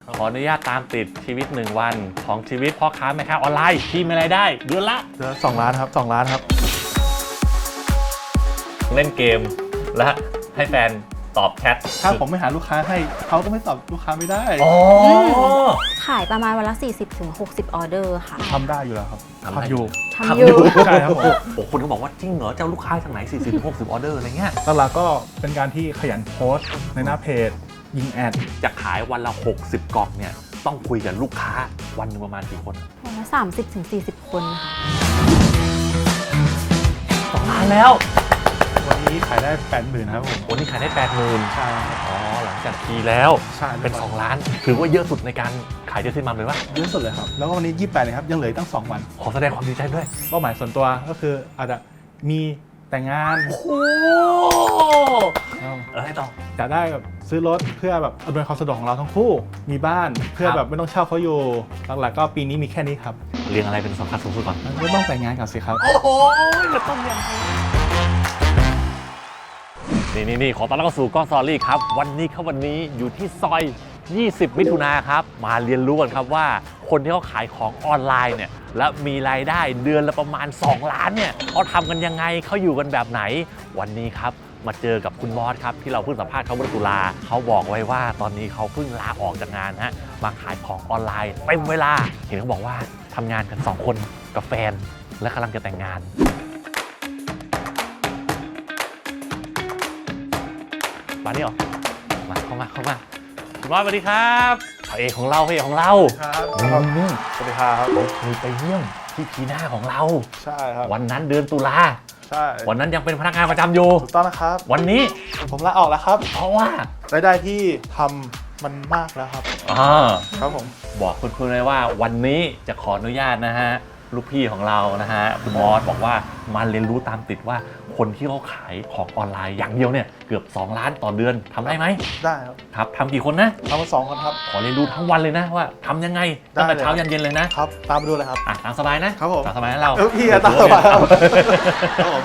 ขออนุญาตตามติดชีวิต1วันของชีวิตพ่อค้าแม่ค้าออนไลน์ที่มีรายได้เดือนละ 2 ล้านครับ2 ล้านครับเล่นเกมและให้แฟนตอบแชทถ้าผมไม่หาลูกค้าให้เขาก็ไม่ตอบลูกค้าไม่ได้ขายประมาณวันละ40-60 ออเดอร์ค่ะทำได้อยู่แล้วครับทำอยู่ใช่ครับผมโอ้คนก็บอกว่าจริงเหรอเจ้าลูกค้าจากไหน40-60 ออเดอร์อะไรเงี้ยหลักๆก็เป็นการที่ขยันโพสต์ในหน้าเพจยิงแอดจะขายวันละ60 กล่องเนี่ยต้องคุยกับลูกค้าวันนึงประมาณกี่คนวันละ30-40 คนค่ะ 2 ล้านแล้ววันนี้ขายได้ 80,000 ครับผมวันนี้ขายได้ 80,000 ใช่อ๋อหลังจากทีแล้วเป็น2 ล้านถือว่าเยอะสุดในการขายเจสซี่มัมเลยว่าเยอะสุดเลยครับแล้วก็วันนี้28เลยครับยังเหลือตั้ง2 วันขอแสดงความดีใจด้วยเป้าหมายส่วนตัวก็คืออาจจะมีแต่งงานโอ้โหให้ต่อจะได้แบบซื้อรถเพื่อแบบอำนวยความสะดวกของเราทั้งคู่มีบ้านเพื่อแบบไม่ต้องเช่าเขาอยู่หลักๆก็ปีนี้มีแค่นี้ครับเรียงอะไรเป็นสำคัญสูงสุดก่อนไม่ต้องแต่งงานก่อนสิครับโอ้โหจะต้องยังไงนี่ขอต้อนรับเข้าสู่ก้อนสตอรี่ครับวันนี้อยู่ที่ซอย20 มิถุนาครับมาเรียนรู้กันครับว่าคนที่เขาขายของออนไลน์เนี่ยและมีรายได้เดือนละประมาณ2 ล้านเนี่ยเขาทำกันยังไงเขาอยู่กันแบบไหนวันนี้ครับมาเจอกับคุณมอสครับที่เราเพิ่งสัมภาษณ์เขาเมื่อตุลาเขาบอกไว้ว่าตอนนี้เขาเพิ่งลาออกจากงานฮะมาขายของออนไลน์เต็มเวลาเห็นเขาบอกว่าทำงานกัน2 คนกับแฟนและกำลังจะแต่งงานมานี่หรอมาเข้ามาคุณมอสสวัสดีครับพระเอกของเราครับสวัสดีครับผมเคยไปเยี่ยมที่พีหน้าของเราใช่ครับวันนั้นเดือนตุลาใช่วันนั้นยังเป็นพนักงานประจำอยู่ถูกต้องนะครับวันนี้ผมลาออกแล้วครับเพราะว่ารายได้ที่ทำมันมากแล้วครับครับผมบอกคุณเลยว่าวันนี้จะขออนุญาตนะฮะลูกพี่ของเรานะฮะคุณมอสบอกว่ามาเรียนรู้ตามติดว่าคนที่เขาขายของออนไลน์อย่างเดียวเนี่ยเกือบ2 ล้านต่อเดือนทำได้ไหมได้ครับทำกี่คนนะทำมา2 คนครับขอเรียนรู้ทั้งวันเลยนะว่าทำยังไงตั้งแต่เช้ายันเย็นเลยนะครับตามไปดูเลยครับตามสบายนะครับผมตามสบายนะเราพี่ตามสบายครับผม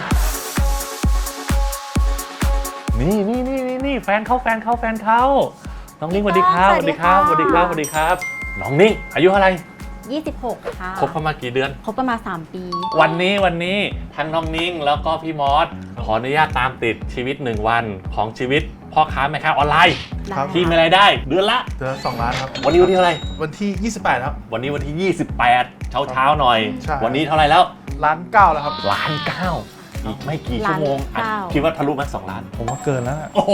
นี่แฟนเขาน้องนิ้งสวัสดีครับน้องนิ้งอายุเท่าไหร่ 26ค่ะคบกันมากี่เดือนคบกันมา3 ปีวันนี้ทั้งน้องนิ้งแล้วก็พี่มอสขออนุญาตตามติดชีวิต1วันของชีวิตพ่อค้าแม่ค้าออนไลน์ที่มีรายได้เดือนละ 2 ล้านครับวันนี้วันที่เท่าไหร่วันที่28ครับวันนี้วันที่28เช้าหน่อยวันนี้เท่าไหร่แล้ว 1.9 ล้านแล้วครับ 1.9 ล้านอีกไม่กี่ชั่วโมงคิดว่าทะลุไหม2 ล้านผมว่าเกินแล้วโอ้โห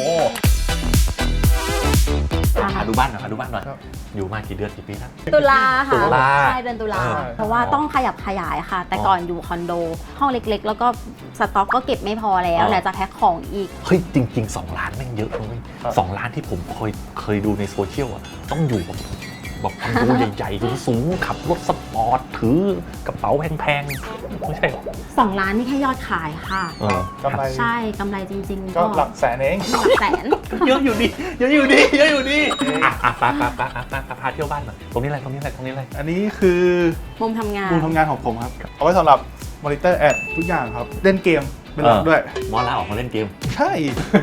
ดูบ้านหน่อยอยู่มากี่เดือนกี่ปีแล้วตุลาค่ะใช่เดือนตุลาเพราะว่าต้องขยับขยายค่ะแต่ก่อนอยู่คอนโดห้องเล็กๆแล้วก็สต็อกก็เก็บไม่พอแล้วไหนจะแพ็คของอีกเฮ้ยจริงๆ2 ล้านแม่งเยอะเลย2 ล้านที่ผมเคยดูในโซเชียลอ่ะต้องอยู่แบบคอนโดใหญ่ๆสูงขับรถสปอร์ตถือกระเป๋าแพงๆไม่ใช่ 2 ล้านนี่แค่ยอดขายค่ะกำไรใช่กำไรจริงๆก็หลักแสนเองหลักแสนเยอะอยู่ดีพาเที่ยวบ้านหน่อยตรงนี้อะไรอันนี้คือมุมทำงานของผมครับเอาไว้สำหรับมอนิเตอร์แอดทุกอย่างครับเล่นเกมเป็นหลักด้วยมอลาออกมาเล่นเกมใช่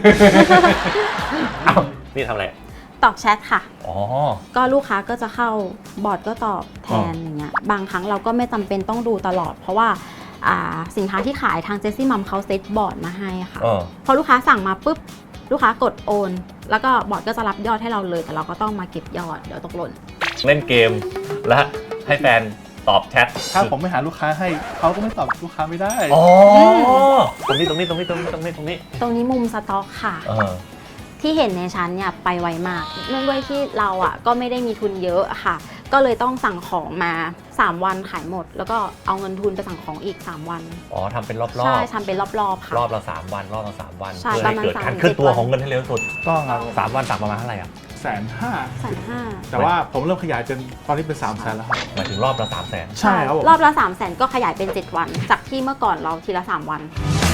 นี่ทำอะไรตอบแชทค่ะก็ลูกค้าก็จะเข้าบอทก็ตอบแทนอย่างเงี้ยบางครั้งเราก็ไม่จำเป็นต้องดูตลอดเพราะว่าสินค้าที่ขายทางเจสซี่มัมเขาเซตบอร์ดมาให้ค่ะพอลูกค้าสั่งมาปุ๊บลูกค้ากดโอนแล้วก็บอร์ดก็จะรับยอดให้เราเลยแต่เราก็ต้องมาเก็บยอดเดี๋ยวตกหล่นเล่นเกมและให้แฟนตอบแชทถ้าผมไม่หาลูกค้าให้เขาก็ไม่ตอบลูกค้าไม่ได้ตรงนี้มุมสต็อกค่ะที่เห็นในชั้นเนี่ยไปไวมากเนื่องด้วยที่เราก็ไม่ได้มีทุนเยอะค่ะก็เลยต้องสั่งของมา3 วันขายหมดแล้วก็เอาเงินทุนไปสั่งของอีก3 วันทำเป็นรอบใช่ทำเป็นรอบค่ะรอบละ3 วันเพื่อให้เกิดการเคลื่อนตัวของเงินให้เร็วสุดต้องครับ 3 วันสั่งประมาณเท่าไหร่ 150,000แต่ว่าผมเริ่มขยายจนตอนนี้เป็น300,000แล้วครับหมายถึงรอบละ300,000 ใช่ครับรอบละ300,000ก็ขยายเป็น7 วันจากที่เมื่อก่อนเราทีละ3 วัน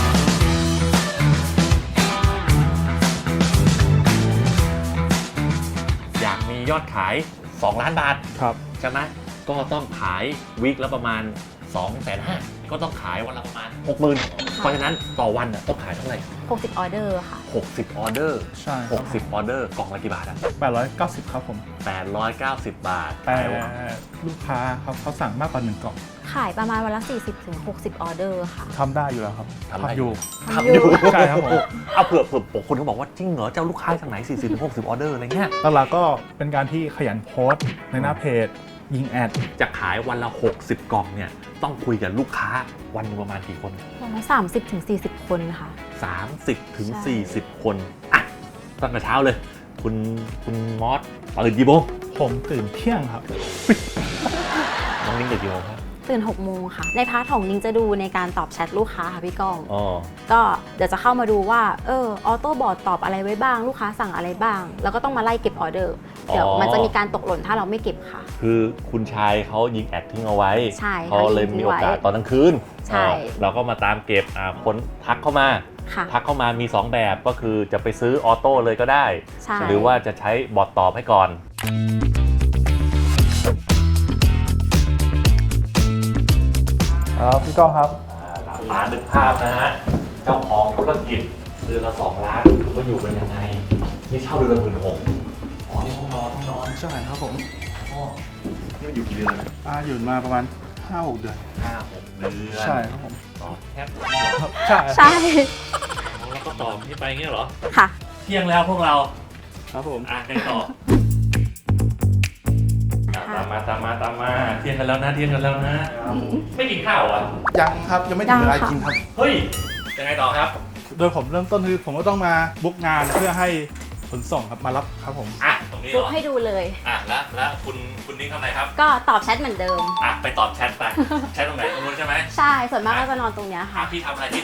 อยากมียอดขาย2 ล้านบาทครับใช่ไหมก็ต้องขายวีคละประมาณ250,000 ก็ต้องขายวันละประมาณ 60,000 เพราะฉะนั้นต่อวันน่ะต้องขายเท่าไหร่ 60 ออเดอร์ค่ะ 60 ออเดอร์ใช่ครับ 60 ออเดอร์กล่องละกี่บาทอ่ะ 890ครับผม 890 บาทแต่ขายวันลูกค้าครับเขาสั่งมากกว่า1กล่องขายประมาณวันละ 40-60 ออเดอร์ค่ะทำได้อยู่แล้วครับทำได้อยู่ทำอยู่ใช่ครับผมเอาเผื่อคนเขาบอกว่าจริงเหรอเจ้าลูกค้าจากไหน 40-60 ออเดอร์อะไรเงี้ยหลักๆก็เป็นการที่ขยันโพสต์ในหน้าเพจ ยิงแอดจะขายวันละ 60 กล่องเนี่ยต้องคุยกับลูกค้าวันหนึงประมาณกี่คนประมาณ30-40 คนค่ะ 30 ถึงใช่ 40 คนอ่ะตั้งแต่เช้าเลย คุณมอสตื่นกี่โมงผมตื่นเที่ยงครับน้องนิ้งตื่นกี่โมงครับตื่น 6 โมงค่ะ ในพาร์ทของนิ้งจะดูในการตอบแชทลูกค้าค่ะพี่ก้องอ๋อก็เดี๋ยวจะเข้ามาดูว่าออโต้บอทตอบอะไรไว้บ้าง ลูกค้าสั่งอะไรบ้าง แล้วก็ต้องมาไล่เก็บออเดอร์ เดี๋ยวมันจะมีการตกหล่นถ้าเราไม่เก็บค่ะคือคุณชายเขายิงแอดทิ้งเอาไว้ใช่เขาเลยมีโอกาสตอนกลางคืนใช่เราก็มาตามเก็บคนทักเข้ามาค่ะทักเข้ามามี 2 แบบก็คือจะไปซื้อออโต้เลยก็ได้ใช่หรือว่าจะใช้บอทตอบให้ก่อนครับพี่ก้องครับร้านนึกภาพนะฮะ เจ้าของธุรกิจเดือนละ2 ล้านก็อยู่เป็นยังไง นี่เช่าเดือนละ16,000อ๋อนี่ห้องนอนใช่ครับผมอ๋อนี่มันอยู่กี่เดือนอยู่มาประมาณ 5-6 เดือน 5-6 เดือนใช่ครับผมต่อแคบใช่ใช่แล้วก็ต่อที่ไปเงี้ยเหรอค่ะเที่ยงแล้วพวกเราครับผมอ่ะกันต่อตามมาเที่ยงกันแล้วนะไม่กินข้าวอ่ะยังครับยังไม่ถึงเวลายังค่ะกินครับเฮ้ยยังไงต่อครับโดยผมเริ่มต้นคือผมก็ต้องมาบุ๊กงานเพื่อให้ขนส่งครับมารับครับผมอ่ะตรงนี้เหรบุ๊กอให้ดูเลยอ่ะแล้วคุณนิ้งทำอะไรครับก็ตอบแชทเหมือนเดิมอ่ะไปตอบแชทไปแชทตรงไหนตรงนู้นใช่ไหมใช่ ส่วนมากก็จะนอนตรงเนี้ยอ่ะค่ะพี่ทำอะไร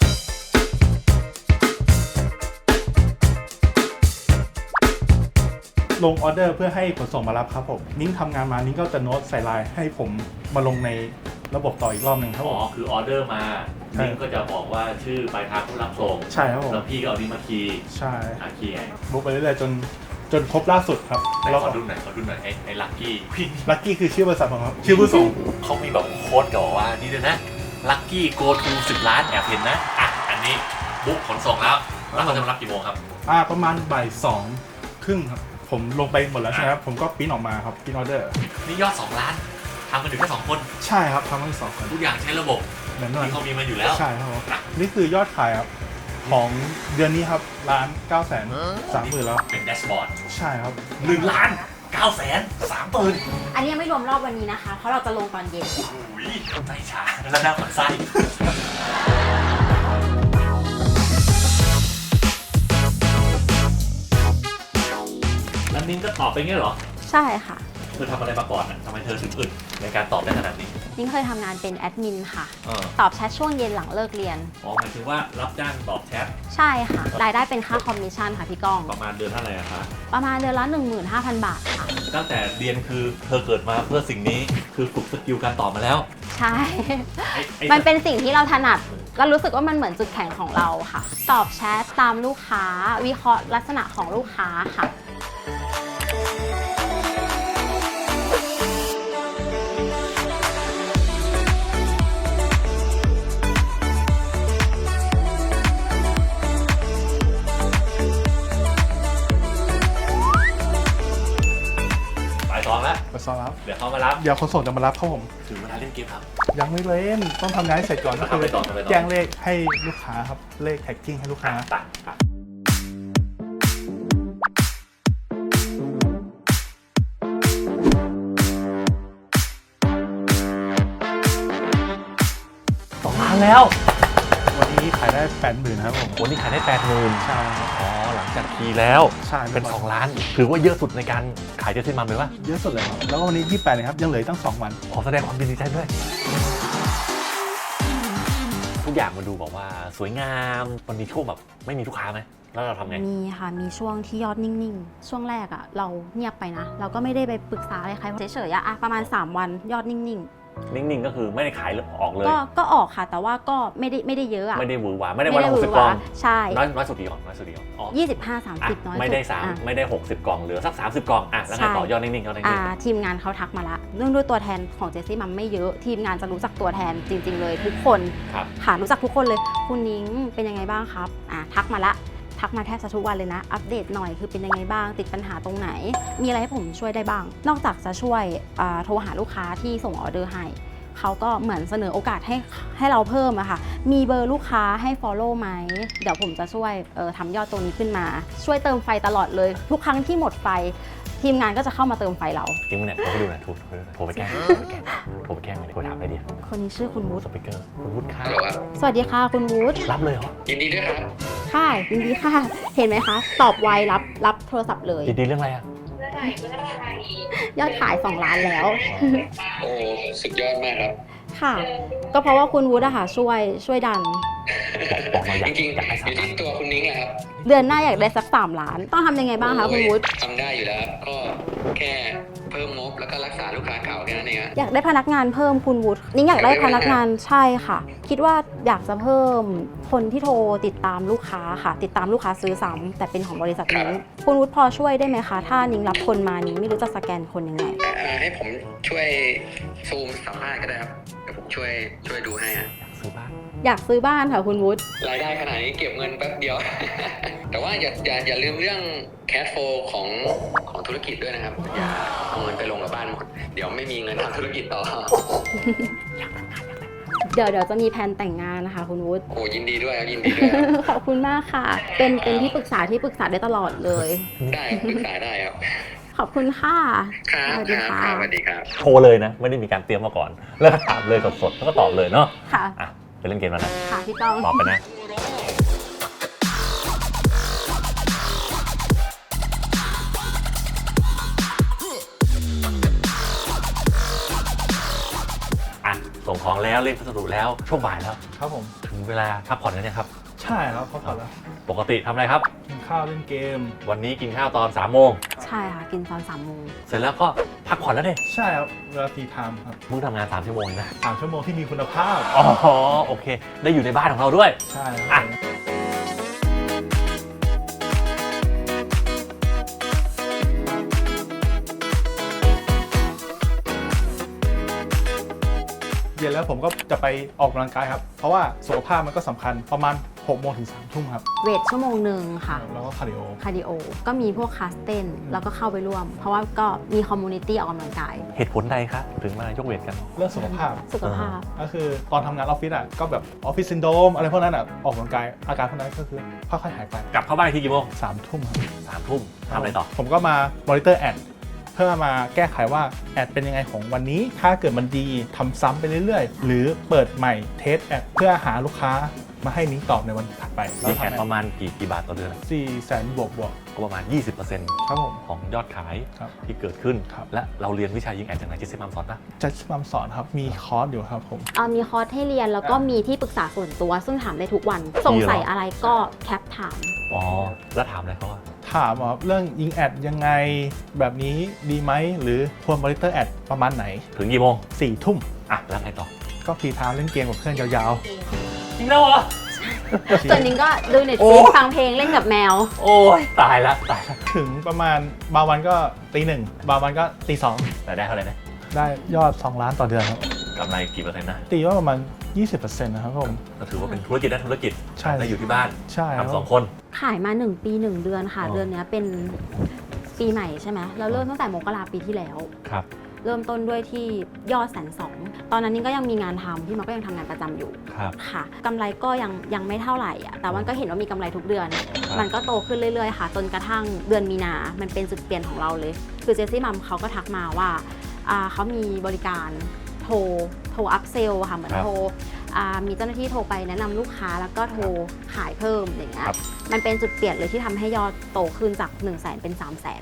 ลงออเดอร์เพื่อให้ขนส่งมารับครับผมนิ้งทำงานมานิ้งก็จะโน้ตใส่ไลน์ให้ผมมาลงในระบบต่ออีกรอบหนึ่งครับอ๋ผอมคือออเดอร์มาใช่นิ้งก็จะบอกว่าชื่อปลายทางผู้รับส่งใช่ครับผมแล้วพี่ก็เอานี้มาคีย์ใช่คีย์ไงบุ๊กไปเรื่อยๆจนครบล่าสุดครับไหนแล้วขอดูหน่อยไอ้ลัคกี้ลัคกี้คือชื่อบริษัทผมครับชื่อผู้ส่งเขามีแบบโค้ดกับว่านี่ด้วยนะ Lucky Go to 10 ล้านแอบเห็นนะ อ่ะ อันนี้บุ๊กขนส่งแล้วเขาจะมารับกี่โมงครับประมาณบ่าย2 ครึ่งครับผมลงไปหมดแล้วใช่ไหมครับผมก็ปริ้นออกมาครับปริ้นออเดอร์นี่ยอด 2 ล้านทำกันถึงแค่ 2 คนใช่ครับทำทั้ง2 คนทุกอย่างใช้ระบบแน่นอนที่เขามีมาอยู่แล้วใช่ครับผมนี่คือยอดขายครับของเดือนนี้ครับ1,930,000แล้วเป็นแดชบอร์ดใช่ครับ 1 ล้าน 930,000 อันนี้ยังไม่รวมรอบวันนี้นะคะ เพราะเราจะลงตอนเย็นโอ้ยใจชาแล้วหน้าขวัญไส้แล้วนิ้งก็ตอบไปงี้เหรอใช่ค่ะเธอทำอะไรมาก่อนอ่ะทำไมเธอถึงอึดในการตอบได้ขนาดนี้นิ้งเคยทำงานเป็นแอดมินค่ะเออตอบแชทช่วงเย็นหลังเลิกเรียนอ๋อหมายถึงว่ารับจ้างตอบแชทใช่ค่ะ รายได้เป็นค่าคอมมิชชั่นค่ะพี่ก้องประมาณเดือนเท่าไหร่อะคะประมาณเดือนละ 15,000 บาทค่ะตั้งแต่เรียนคือเธอเกิดมาเพื่อสิ่งนี้คือฝึกสกิลการตอบมาแล้วใช่ไอ้มันเป็นสิ่งที่เราถนัดก็รู้สึกว่ามันเหมือนจุดแข็งของเราค่ะ ตอบแชทตามลูกค้า วิเคราะห์ลักษณะของลูกค้าค่ะบ่าย 2แล้วไปซ้อมรับเดี๋ยวเขามารับเดี๋ยวขนส่งจะมารับครับผมถึงเวลาเล่นเกมครับยังไม่เล่นต้องทำงานให้เสร็จก่อนก็คือทำไปต่อแจ้งเลขให้ลูกค้าครับเลขแท็กกิ้งให้ลูกค้าตัด2 ล้านแล้ววันนี้ขายได้ 80,000ครับผมวันนี้ขายได้ 80,000 ใช่ครับอ๋อหลังจากคีย์แล้วใช่เป็น 2 ล้าน ถือว่าเยอะสุดในการขายเจสซี่มัมเลยป่ะเยอะสุดเลยครับแล้วก็วันนี้28เลยครับยังเหลืออกตั้ง2 วันขอแสดงความยินดีใจด้วย ทุกอย่างมันดูแบบว่าสวยงามมันมีช่วงแบบไม่มีลูกค้าไหมแล้วเราทำไงมีค่ะ มีช่วงที่ยอดนิ่งๆ ช่วงแรกอะเราเงียบไปนะ เราก็ไม่ได้ไปปรึกษาอะไรใครเฉยๆอะประมาณ 3 วันยอดนิ่งนิ่งๆก็คือไม่ได้ขายออกเลยก็ออกค่ะ แต่ว่าก็ไม่ได้เยอะอะไม่ได้หวือหวาไม่ได้วันละ60 กล่องใช่น้อยสุดกี่กล่องน้อยสุดกี่กล่องอ๋อ 25-30 น้อยสุดไม่ได้อ่ะไม่ได้60 กล่องเหลือสัก30 กล่องแล้วไงต่อยอดนิ่งๆเขานิ่งทีมงานเขาทักมาละเนื่องด้วยตัวแทนของเจสซี่มัมไม่เยอะทีมงานจะรู้จักตัวแทนจริง ๆ เลยทุกคนๆครับค่ะรู้จักทุกคนเลยคุณนิ้งเป็นยังไงบ้างครับทักมาละทักมาแทบจะทุกวันเลยนะอัปเดตหน่อยคือเป็นยังไงบ้างติดปัญหาตรงไหน มีอะไรให้ผมช่วยได้บ้าง นอกจากจะช่วยโทรหาลูกค้าที่ส่งออเดอร์ให้เขาก็เหมือนเสนอโอกาสให้เราเพิ่มอะค่ะมีเบอร์ลูกค้าให้ follow ไหมเดี๋ยวผมจะช่วยทำยอดตรงนี้ขึ้นมา ช่วยเติมไฟตลอดเลยทุกครั้งที่หมดไฟทีมงานก็จะเข้ามาเติมไฟเราจริงไหมเนี่ยโทรไปดูหน่อยโทรไปแกล้งโทรไปแกล้งเลยโทรถามไอเดียคนนี้ชื่อคุณวุฒิสปีกเกอร์คุณวุฒิค่ะฮัลโหลครับสวัสดีค่ะคุณวุฒิรับเลยเหรอยินดีด้วยครับค่ะยินดีค่ะ เห็นไหมคะ ตอบไวรับโทรศัพท์เลยดีๆเรื่องอะไรอ่ะยอดขาย 2 ล้านแล้วโอ้สุดยอดมากครับค่ะ ก็เพราะว่าคุณวุฒิอะค่ะช่วยดันบอกมาอยาจกริงอยากให้ๆสาอยู่มที่ตัวคุณนิ้งแหละครับเดือนหน้าอยากได้สัก 3 ล้าน ต้องทำยังไงบ้างคะคุณวุฒิทำได้อยู่แล้วครับก็แค่เพิ่มงบแล้วก็รักษาลูกค้าเก่าแค่นั้นเองฮะอยากได้พนักงานเพิ่มคุณวุฒินิ้งอยากได้พนักงานใช่ค่ะ คิดว่าอยากจะเพิ่มคนที่โทรติดตามลูกค้าค่ะ ติดตามลูกค้าซื้อซ้ำแต่เป็นของบริษัทนิ้งคุณวุฒิพอช่วยได้ไหมคะ ถ้านิ้งรับคนมานิ้งไม่รู้จะสแกนคนยังไงให้ผมช่วยซูมสัมภาษณ์ก็ได้ครับเดี๋ยวผมช่วยดูให้ฮะซื้อบ้านอยากซื้อบ้านค่ะคุณวุฒิรายได้ขนาดนี้เก็บเงินแป๊บเดียว แต่ว่าอย่าลืมเรื่องแคชโฟลของธุรกิจด้วยนะครับอย่าเอาเงินไปลงกับบ้านหมดเดี๋ยวไม่มีเงินทำธุรกิจต่อเดี๋ยวจะมีแผนแต่งงานนะคะคุณวุฒิโอ้ยินดีด้วยครับยินดีด้วยครับขอบคุณมากค่ะ เป็นที่ปรึกษาได้ตลอดเลยได้ปรึกษาได้ครับขอบคุณค่ะครับสวัสดีค่ะครับสวัสดีครับโทรเลยนะ ไม่ได้มีการเตรียมมาก่อน แล้วก็ถามเลยสดๆแล้วก็ตอบเลยเนาะค่ะอ่ะไปเล่นเกมแล้วนะค่ะพี่ก้องตอบไปนะ อ่ะ ส่งของแล้วเรียกพัสดุแล้วช่วงบ่ายแล้วครับผมถึงเวลาพักผ่อนกันยังครับใช่ครับเขาผ่อนแล้วปกติทำอะไรครับกินข้าวเล่นเกมวันนี้กินข้าวตอน3 โมงใช่ค่ะ กินตอน3 โมงเสร็จแล้วก็พักผ่อนแล้วเนี่ยใช่ครับเวลาทีไทม์ครับมึงทำงาน3 ชั่วโมงเองนะ 3 ชั่วโมงที่มีคุณภาพอ๋อ โอเค ได้อยู่ในบ้านของเราด้วยใช่คอ่ะรับเย็นแล้วผมก็จะไปออกกำลังกายครับ เพราะว่าสุขภาพมันก็สำคัญประมาณ6 โมงถึง 3 ทุ่มครับเวทชั่วโมงหนึ่งค่ะแล้วก็คาร์ดิโอคาร์ดิโอ ก็มีพวกคลาสเต้น แล้วก็เข้าไปร่วม เพราะว่าก็มีคอมมูนิตี้ออกกำลังกายเหตุผลใดคะถึงมายกเวทกันเรื่องสุขภาพสุขภาพก็คือตอนทำงานออฟฟิศอ่ะก็แบบออฟฟิศซินโดรมอะไรพวกนั้นอ่ะออกกำลังกายอาการพวกนั้นก็คือค่อยๆหายไปกลับเข้าบ้านอีกทีกี่โมง 3 ทุ่มครับ 3 ทุ่มทำอะไรต่อผมก็มามอนิเตอร์แอดเพื่อมาแก้ไขว่าแอดเป็นยังไงของวันนี้ถ้าเกิดมันดีทำซ้ำไปเรื่อยๆ หรือเปิดใหม่เทสแอดเพื่อหาลูกค้ามาให้นิ้งตอบในวันถัดไปมีแอดประมาณกี่บาทต่อเดือน 400,000 บวกก็ประมาณ 20% ครับผมของยอดขายครับที่เกิดขึ้นครับและเราเรียนวิชายิงแอดจากไหนเจสซี่มัมสอนปะจะมาสอนครับมีคอร์สอยู่ครับผมมีคอร์สให้เรียนแล้วก็มีที่ปรึกษาส่วนตัว ซึ่งถามได้ทุกวัน สงสัยอะไรก็แคปถามอ๋อ แล้วถามอะไรเขาว่าถามว่าเรื่องยิงแอดยังไงแบบนี้ดีไหมหรือควรมอนิเตอร์แอดประมาณไหนถึงกี่โมง 4 ทุ่มอ่ะ แล้วไงต่อก็ฟรีไทม์เล่นเกมกับเพื่อนยาวจริงแล้วเหรอส่วนนิ้งก็ดูเน็ตฟโอ้ลิกฟังเพลงเล่นกับแมวโอ้ยตายละตายละๆ ถึงประมาณบางวันก็ตีหนึ่งบางวันก็ตีสองแต่ได้เท่าไหร่นะได้ยอด 2 ล้านต่อเดือนครับกำไรกี่เปอร์เซ็นต์นะตีว่าประมาณ 20%นะครับผมก็ถือว่าเป็นธุรกิจได้ธุรกิจใช่ได้อยู่ที่บ้านใช่ครับทำ2 คนขายมา 1 ปี 1 เดือนค่ะอ๋อเดือนเนี้ยเป็นปีใหม่ใช่ไหมเราเริ่มตั้งแต่มกราปีที่แล้วครับเริ่มต้นด้วยที่ยอด120,000ตอนนั้นนิ้งก็ยังมีงานทำพี่มันก็ยังทำงานประจำอยู่ครับค่ะกำไรก็ยังไม่เท่าไหร่อ่ะแต่ว่าก็เห็นว่ามีกำไรทุกเดือนครับมันก็โตขึ้นเรื่อยๆค่ะ จนกระทั่งเดือนมีนา มันเป็นจุดเปลี่ยนของเราเลย คือเจสซี่มัมเขาก็ทักมาว่าเขามีบริการโทรอัพเซลค่ะเหมือนโทรมีเจ้าหน้าที่โทรไปแนะนำลูกค้าแล้วก็โทรขายเพิ่มอย่างเงี้ยครับมันเป็นจุดเปลี่ยนเลยที่ทำให้ยอดโตขึ้นจาก 100,000 เป็น 300,000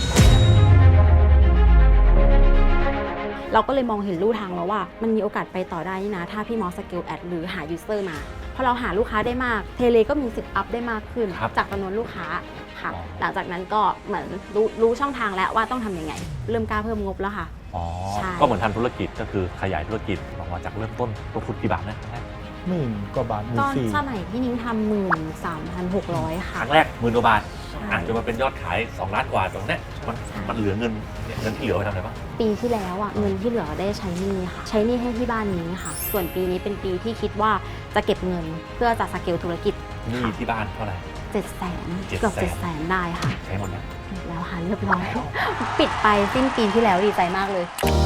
เราก็เลยมองเห็นลู่ทางแล้วว่ามันมีโอกาสไปต่อได้นี่นะถ้าพี่มอสสเกลแอดหรือหายูเซอร์มาพอเราหาลูกค้าได้มากเทเลก็มีสิทธิ์อัพได้มากขึ้นครับจากจำนวนลูกค้าค่ะอ๋อหลังจากนั้นก็เหมือนรู้ช่องทางแล้วว่าต้องทำยังไง เริ่มกล้าเพิ่มงบแล้วค่ะอ๋อใช่ก็เหมือนทำธุรกิจก็คือขยายธุรกิจออกมาจากเริ่มต้นลงทุนกี่บาทนะหมื่นกว่าบาทหมื่ตนอนสี่สมัยที่นิ้งทำ13,600 คค่ะรั้งแรก10,000 กว่าบาทใช่อาจจะมาเป็นยอดขาย2 ล้านกว่าตรงเนี้ยมันเหลือเงินเนี่ยเงินที่เหลือไปทำอะไรบ้างปีที่แล้วอ่ะเงินที่เหลือได้ใช้หนี้ค่ะ ใช้หนี้ให้ที่บ้านนี้ค่ะ ส่วนปีนี้เป็นปีที่คิดว่าจะเก็บเงินเพื่อจะสเกลธุรกิจหนี้ที่บ้านเท่าไหร่ 700,000 เกือบ 700,000 ได้ค่ะใช้หมดแล้วหมดแล้วค่ะเรียบร้อย ปิดไปสิ้นปีที่แล้วดีใจมากเลย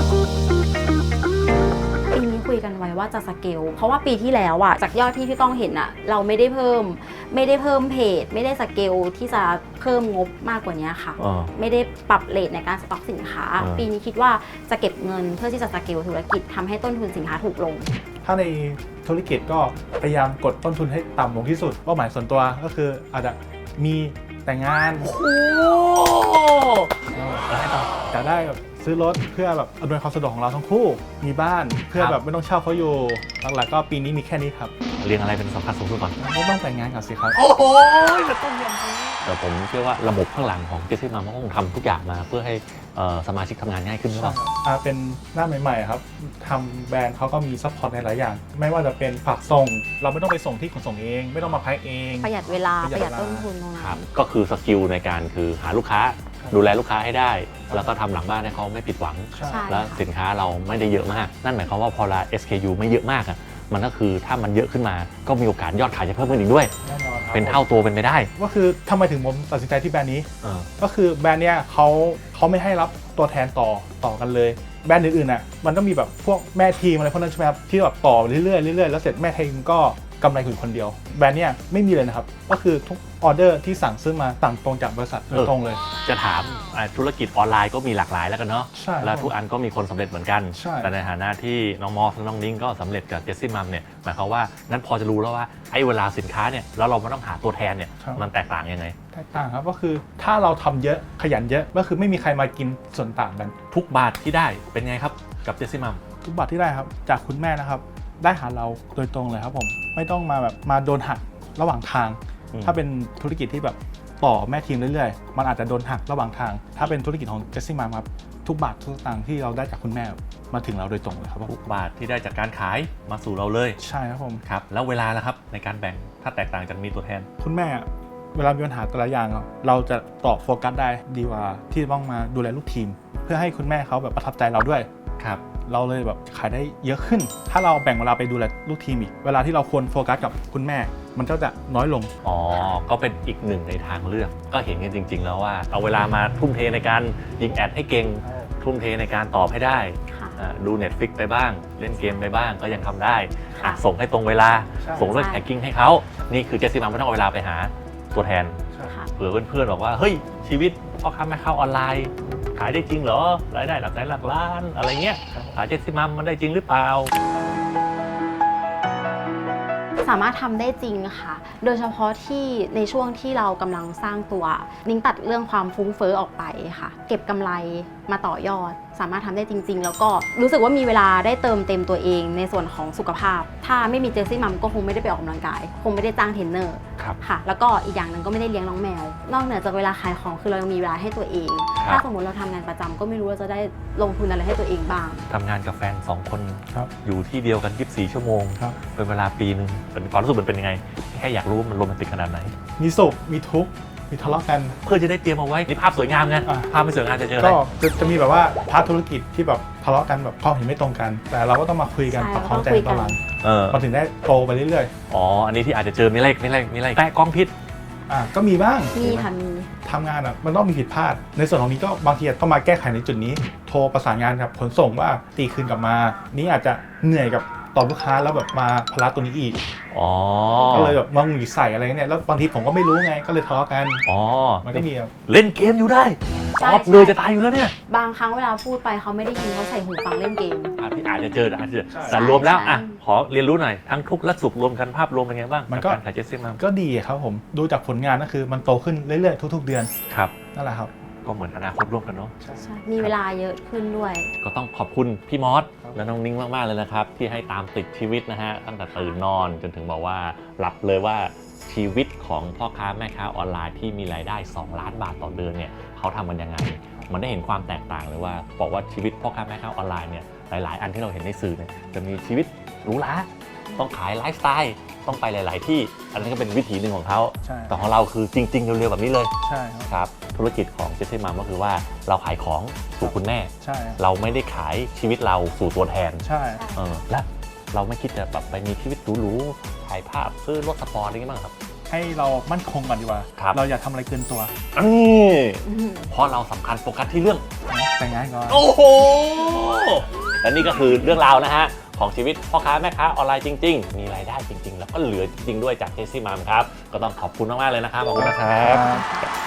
ปีนี้คุยกันไว้ว่าจะสเกลเพราะว่าปีที่แล้วอะจากยอดที่พี่ก้องเห็นอะเราไม่ได้เพิ่มเพจไม่ได้สเกลที่จะเพิ่มงบมากกว่านี้ค่ะ ไม่ได้ปรับเรทในการสต็อกสินค้า ปีนี้คิดว่าจะเก็บเงินเพื่อที่จะสเกลธุรกิจทำให้ต้นทุนสินค้าถูกลงถ้าในธุรกิจก็พยายามกดต้นทุนให้ต่ำลงที่สุดเป้าหมายส่วนตัวก็คืออาจจะมีแต่งงานโอ้ให้ต่อจะได้แบบซื้อรถเพื่อแบบอำนวยความสะดวกของเราทั้งคู่ มีบ้านเพื่อแบบไม่ต้องเช่าเขาอยู่หลักๆก็ปีนี้มีแค่นี้ครับเรียงอะไรเป็นสำคัญสูงสุดก่อนไม่ต้องแต่งงานก่อนสิครับโอ้โหจะต้องอย่างนี้แต่ผมเชื่อว่าระบบข้างหลังของเจสซี่มาต้องทำทุกอย่างมาเพื่อให้สมาชิกทำงานง่ายขึ้นหรือเปล่าเป็นหน้าใหม่ๆครับทำแบรนด์เขาก็มีซัพพอร์ตในหลายอย่าง ไม่ว่าจะเป็นฝากส่ง เราไม่ต้องไปส่งที่ขนส่งเอง ไม่ต้องมาแพ็คเองประหยัดเวลาปประ ระหหยัยัดดเวลาต้นทุนตรงนั้ครับนก็คือสกิลในการคือหาลูกค้า ดูแลลูกค้าให้ได้ แล้วก็ทำหลังบ้านให้เขาไม่ผิดหวังใช่ใช่แล้วสินค้าเราไม่ได้เยอะมาก นั่นหมายความว่าพอละ SKU ไม่เยอะมากอะมันก็คือถ้ามันเยอะขึ้นมาก็มีโอกาสยอดขายจะเพิ่มขึ้นอีกด้วยแน่นอนครับเป็นเท่าตัวเป็นไปได้ก็คือทำไมถึงผมตัดสินใจที่แบรนด์นี้เออก็คือแบรนด์เนี้ยเขาไม่ให้รับตัวแทนต่อกันเลย แบรนด์อื่นๆน่ะมันต้องมีแบบพวกแม่ทีมอะไรพวกนั้นใช่ไหมครับที่แบบต่อเรื่อยๆแล้วเสร็จแม่ทีมก็กำไรคุณคนเดียว แบรนด์เนี้ยไม่มีเลยนะครับก็คือทุกออเดอร์ที่สั่งซื้อมาสั่งตรงจากบริษัทโดยตรงเลยจะถามธุรกิจออนไลน์ก็มีหลากหลายแล้วกันเนาะใช่แล้วทุกอันก็มีคนสำเร็จเหมือนกันใช่แต่ในฐานะที่น้องมอสและน้องนิ้งก็สำเร็จกับเจสซี่มัมเนี่ยหมายความว่านั้นพอจะรู้แล้วว่าไอ้เวลาสินค้าเนี่ยแล้วเราไม่ต้องหาตัวแทนเนี่ยมันแตกต่างยังไงแตกต่างครับก็คือถ้าเราทำเยอะขยันเยอะก็คือไม่มีใครมากินส่วนต่างกันทุกบาทที่ได้เป็นไงครับกับเจสซี่มัมทุกบาทที่ได้ครับจากคุณแม่นะครับได้หาเราโดยตรงเลยครับผมไม่ต้องมาแบบมาโดนหักระหว่างทาง ถ้าเป็นธุรกิจที่แบบต่อแม่ทีมเรื่อยๆมันอาจจะโดนหักระหว่างทาง ถ้าเป็นธุรกิจของเจสซี่มาครับทุกบาททุกสตางค์ที่เราได้จากคุณแม่มาถึงเราโดยตรงเลยครับผมทุกบาทที่ได้จากการขายมาสู่เราเลยใช่ครับผมครับแล้วเวลาล่ะครับในการแบ่งถ้าแตกต่างจากมีตัวแทนคุณแม่เวลามีปัญหาแต่ละอย่างเราจะตอบโฟกัสได้ดีกว่าที่ต้องมาดูแลลูกทีม เพื่อให้คุณแม่เขาแบบประทับใจเราด้วยครับเราเลยแบบขายได้เยอะขึ้น ถ้าเราแบ่งเวลาไปดูแลลูกทีมอีก เวลาที่เราควรโฟกัสกับคุณแม่ มันก็จะน้อยลงอ๋อ ก็เป็นอีกหนึ่งในทางเลือก ก็เห็นกันจริง ๆ แล้วว่าเอาเวลามาทุ่มเทในการยิงแอดให้เก่ง ทุ่มเทในการตอบให้ได้ค่ะดู Netflix ไปบ้าง เล่นเกมไปบ้างก็ยังทำได้ค่ะส่งให้ตรงเวลาใช่ส่งเรื่องแท็กกิ้งให้เขา นี่คือเจสซี่มัมไม่ต้องเอาเวลาไปหาตัวแทนค่ะเผื่อเพื่อนๆบอกว่า เฮ้ย ชีวิตพ่อค้าแม่ค้าออนไลน์ ขายได้จริงเหรอ รายได้หลักแสนหลักล้าน อะไรเงี้ย ขายเจสซี่มัมมันได้จริงหรือเปล่าสามารถทำได้จริงค่ะ โดยเฉพาะที่ในช่วงที่เรากำลังสร้างตัว นิ้งตัดเรื่องความฟุ้งเฟ้อออกไปค่ะ เก็บกำไรมาต่อยอด สามารถทำได้จริง ๆ แล้วก็รู้สึกว่ามีเวลาได้เติมเต็มตัวเองในส่วนของสุขภาพ ถ้าไม่มีเจสซี่มัมก็คงไม่ได้ไปออกกำลังกาย คงไม่ได้จ้างเทรนเนอร์ครับค่ะ แล้วก็อีกอย่างหนึ่งก็ไม่ได้เลี้ยงน้องแมว นอกเหนือจากเวลาขายของคือเรายังมีเวลาให้ตัวเองครับถ้าสมมติเราทำงานประจำก็ไม่รู้ว่าจะได้ลงทุนอะไรให้ตัวเองบ้างทำงานกับแฟน 2 คนครับอยู่ที่เดียวกัน 24 ชั่วโมงครับเป็นเวลาปีหนึ่งเป็นความรู้สึกมันเป็นยังไง แค่อยากรู้ว่ามันโรแมนติกขนาดไหนมีสุขมีทุกข์มีทะเลาะกันเพื่อจะได้เตรียมเอาไว้นี่ภาพสวยงามไงอ่ะภาพไม่สวยงามจะเจออะไรก็จะมีแบบว่าพาร์ทธุรกิจที่แบบทะเลาะกันแบบความเห็นไม่ตรงกัน แต่เราก็ต้องมาคุยกันใช่ปรับความใจเราต้องคุยกันตอนหลังเออมันถึงได้โตไปเรื่อยอ๋อ อันนี้ที่อาจจะเจอมีอะไรแปะกล้องพิษก็มีบ้างมีค่ะมีทำงานมันต้องมีผิดพลาด ในส่วนของนี้ก็บางทีต้องมาแก้ไขในจุดนี้ โทรประสานงานกับขนส่งว่าตีคืนกลับมา นี่อาจจะเหนื่อยกับตอบลูกค้าแล้วแบบมาภาระตัวนี้อีกอ๋อก็เลยแบบมาหงุดหงิดใส่อะไรเนี่ยแล้วบางทีผมก็ไม่รู้ไงก็เลยทะเลาะกันอ๋อมันก็มีแบบเล่นเกมอยู่ได้ใช่ออฟเลยจะตายอยู่แล้วเนี่ยบางครั้งเวลาพูดไปเขาไม่ได้ยินเขาใส่หูฟังเล่นเกมพี่อาจจะเจออาจจะเจอใช่แต่รวมแล้วใช่อ่ะขอเรียนรู้หน่อย ทั้งทุกข์และสุขรวมกันภาพรวมเป็นไงบ้างมันก็บการขายเจสซี่มัมก็ดีครับผมดูจากผลงานก็คือมันโตขึ้นเรื่อยๆทุกๆเดือนครับนั่นแหละครับก็เหมือนอนาคตร่วมกันเนาะใช่มีเวลาเยอะขึ้นด้วยก็ต้องขอบคุณพี่มอสครับและน้องนิ้งมาก ๆ เลยนะครับ ที่ให้ตามติดชีวิตนะฮะ ตั้งแต่ตื่นนอนจนถึงบอกว่าหลับเลยว่าชีวิตของพ่อค้าแม่ค้าออนไลน์ที่มีรายได้2 ล้านบาทต่อเดือนเนี่ยเขาทำมันยังไงมันได้เห็นความแตกต่างเลยว่าบอกว่าชีวิตพ่อค้าแม่ค้าออนไลน์เนี่ยหลายๆอันที่เราเห็นในสื่อเนี่ยจะมีชีวิตหรูหราต้องขายไลฟ์สไตล์ต้องไปหลาย ๆ ที่อันนี้ก็เป็นวิถีหนึ่งของเขาใช่แต่ของเราคือจริง ๆ เร็ว ๆ แบบนี้เลยใช่ครับครับธุรกิจของเจสซี่มัมก็คือว่าเราขายของสู่คุณแม่ใช่ครับเราไม่ได้ขายชีวิตเราสู่ตัวแทนใช่และเราไม่คิดจะแบบไปมีชีวิตหรูๆถ่ายภาพซื้อรถสปอร์ตอะไรอย่างงี้บ้างครับให้เรามั่นคงก่อนดีกว่าครับเราอย่าทำอะไรเกินตัวเพราะเราสำคัญโฟกัสที่เรื่องแต่งงานก่อนโอ้โห และนี่ก็คือเรื่องราวนะฮะ ของชีวิตพ่อค้าแม่ค้าออนไลน์จริง ๆ มีรายได้จริง ๆ แล้วก็เหลือจริง ๆ ด้วยจากเจสซี่มัมครับ ก็ต้องขอบคุณมาก ๆ เลยนะครับ ขอบคุณนะครับ